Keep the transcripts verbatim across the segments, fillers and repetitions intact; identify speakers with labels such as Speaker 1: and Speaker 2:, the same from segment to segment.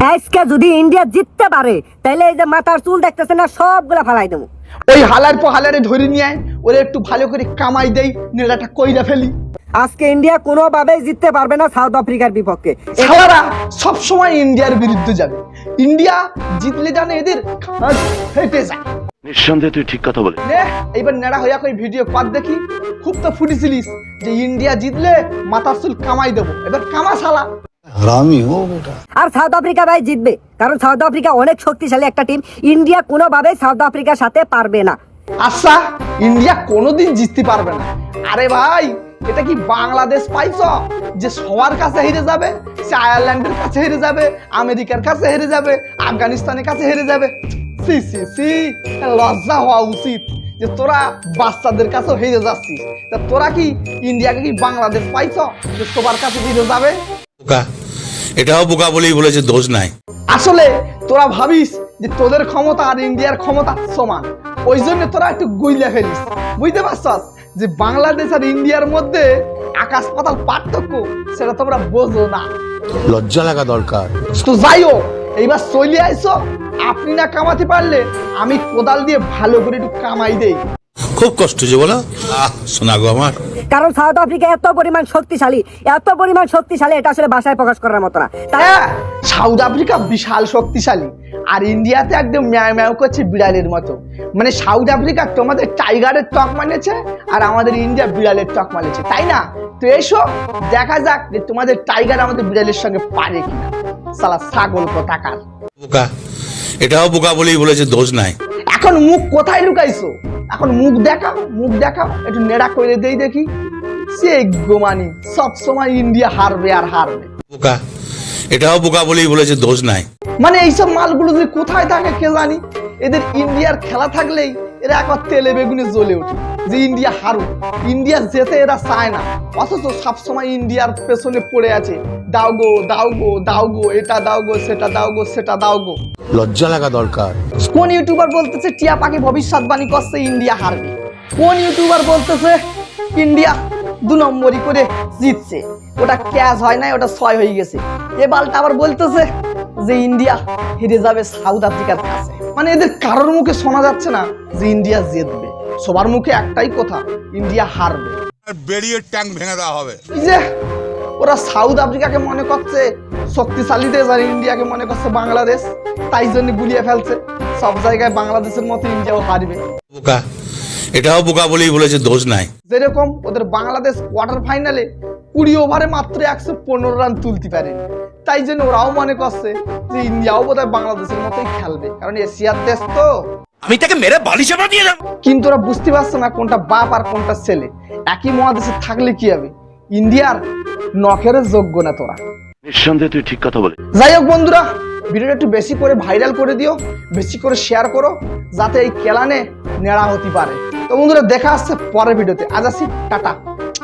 Speaker 1: আজকে যদি ইন্ডিয়া জিততে পারে তাহলে এই যে মাথার চুল দেখতেছে না সবগুলা ফালাই দেবো।
Speaker 2: ওই হালার পর হালারে ধরে নিয়ে আয়, ওরে একটু ভালো করে কামাই দেই, নেড়াটা কইরা ফেলি।
Speaker 1: আজকে ইন্ডিয়া কোনোভাবেই জিততে পারবে না সাউথ আফ্রিকার বিপক্ষে।
Speaker 2: সালারা সব সময় ইন্ডিয়ার বিরুদ্ধে যাবে। ইন্ডিয়া জিতলে জানে এদের খাস ফেটে যায়।
Speaker 3: নিঃসন্দেহে তুই ঠিক কথা বলে।
Speaker 2: নে এইবার নেড়া হইয়া কই ভিডিও কর দেখি। খুব তো ফুটেছিলিস যে ইন্ডিয়া জিতলে মাথার চুল কামাই দেবো, এবার কামা শালা।
Speaker 4: হারামি ও বেটা।
Speaker 1: আর সাউথ আফ্রিকা ভাই জিতবে, কারণ সাউথ আফ্রিকা অনেক শক্তিশালী একটা টিম। ইন্ডিয়া কোনোভাবেই সাউথ আফ্রিকার সাথে পারবে না।
Speaker 2: আচ্ছা ইন্ডিয়া কোনোদিন জিততে পারবে না। আরে ভাই এটা কি বাংলাদেশ পাইছ যে সবার কাছে হেরে যাবে? সে আয়ারল্যান্ডের কাছে হেরে যাবে, আমেরিকার কাছে হেরে যাবে, আফগানিস্তানের কাছে হেরে যাবে। সি সি সি লজ্জা হওয়া উচিত যে তোরা বাচ্চাদের কাছেও হেরে যাচ্ছিস। তা তোরা কি ইন্ডিয়াকে কি বাংলাদেশ পাইছ যে সবার কাছে হেরে যাবে?
Speaker 5: বোকা, এটাও বোকা বলেই বলেছে, দোষ নাই।
Speaker 2: আসলে তোরা ভাবিস যে তোদের ক্ষমতা আর ইন্ডিয়ার ক্ষমতা সমান, ওই জন্য তোরা একটু গুইলা ফেলিস। বুঝতে পারছস যে বাংলাদেশ আর ইন্ডিয়ার মধ্যে আকাশ পাতাল পার্থক্য, সেটা তোমরা বোঝো না।
Speaker 4: লজ্জা লাগা দরকার।
Speaker 2: তো যাইও এইবার চলে আইসো, আপনি না কামাতে পারলে আমি কোদাল দিয়ে ভালো করে একটু কামাই দেই।
Speaker 5: খুব কষ্ট যে বলো, আহ শোনা গো আমার।
Speaker 1: কারণ সাউথ আফ্রিকা এত পরিমাণ শক্তিশালী, এত পরিমাণ শক্তিশালী, এটা আসলে ভাষায় প্রকাশ করার মতো না। তাই
Speaker 2: হ্যাঁ, সাউথ আফ্রিকা বিশাল শক্তিশালী, আর ইন্ডিয়াতে একদম ম্যাও ম্যাও করছে বিড়ালের মতো। মানে সাউথ আফ্রিকা তোমাদের টাইগারের টক মানেছে, আর আমাদের ইন্ডিয়া বিড়ালের টক মানেছে, তাই না? তো এসো দেখা যাক যে তোমাদের টাইগার আমাদের বিড়ালের সঙ্গে পারে কিনা। সালা ছাগল কোথাকার।
Speaker 5: বোকা, এটাও বোকা বলেই বলেছে, দোষ নাই।
Speaker 2: এখন মুখ কোথায় লুকাইছো? এখন মুখ দেখাও, মুখ দেখাও, একটু নেড়া করে দেই দেখি। সে গোমানি সব সময় ইন্ডিয়া হারবে আর হারবে।
Speaker 5: বোকা, এটাও বোকা বলেই বলেছে, দোষ নাই।
Speaker 2: মানে এইসব মালগুলো যে কোথায় থাকে কে জানি। এদের ইন্ডিয়ার খেলা থাকলেই এরা একবার তেলে বেগুনে জ্বলে ওঠে যে ইন্ডিয়া হারুক, ইন্ডিয়া যেতে এরা চায় না, অথচ সবসময় ইন্ডিয়ার পেছনে পড়ে আছে। দাও গো দাও গো দাও গো, এটা দাও গো সেটা দাও গো সেটা দাও গো।
Speaker 4: লজ্জা লাগা দরকার।
Speaker 2: কোন ইউটিউবার বলতেছে টিয়া পাখি ভবিষ্যৎবাণী করছে ইন্ডিয়া হারবে? কোন ইউটিউবার বলতেছে ইন্ডিয়া দু নম্বরই করে জিতছে, ওটা ক্যাচ হয় নাই, ওটা ছয় হয়ে গেছে? এ বালটা আবার বলতেছে যে ইন্ডিয়া হেরে যাবে সাউথ আফ্রিকার কাছে। মানে এদের কারোর মুখে শোনা যাচ্ছে না যে ইন্ডিয়া জিতবে, সবার মুখে একটাই কথা, ইন্ডিয়া হারবে।
Speaker 6: বেরিয়ে ট্যাঙ্ক ভেঙে দেওয়া হবে।
Speaker 2: এই যে ওরা সাউথ আফ্রিকাকে মনে করছে শক্তিশালী দেশ আর ইন্ডিয়াকে মনে করছে বাংলাদেশ, তাই জন্য গুলিয়ে ফেলছে। সব জায়গায় বাংলাদেশের মতো ইন্ডিয়াও হারবে।
Speaker 5: বোকা, এটাও বোকা বলেই বলেছে, দোষ নাই।
Speaker 2: যেরকম ওদের বাংলাদেশ কোয়ার্টার ফাইনালে কুড়ি ওভারে মাত্র একশো পনেরো রান তুলতে পারে, তাই জন্য ওরাও মনে করছে যে ইন্ডিয়াও বোধহয় বাংলাদেশের মতোই খেলবে, কারণ এশিয়ার দেশ তো।
Speaker 5: আমি তাকে মেরে বালি চাপা দিয়ে দেব।
Speaker 2: কিন্তু ওরা বুঝতে পারছে না কোনটা বাপ আর কোনটা ছেলে। একই মহাদেশে থাকলে কি হবে, ইন্ডিয়ার নখের যোগ্য না তোরা।
Speaker 3: নিঃসন্দেহে তুই ঠিক কথা বলে।
Speaker 2: যাই হোক বন্ধুরা, ভিডিওটা একটু বেশি করে ভাইরাল করে দিও, বেশি করে শেয়ার করো, যাতে এই কেলানে নেড়া হতে পারে। তো বন্ধুরা দেখা আসছে পরের ভিডিওতে। আজ আসি, টাটা।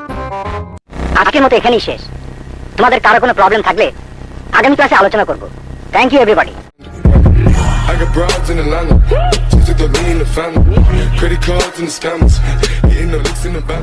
Speaker 7: আজকের মতো এখানেই শেষ। তোমাদের কারো কোনো প্রবলেম থাকলে আগামী ক্লাসে আলোচনা করব। Thank you everybody.
Speaker 8: I got broads in Atlanta, just took the lean in the family, credit cards and the scammers, hitting the licks in the back.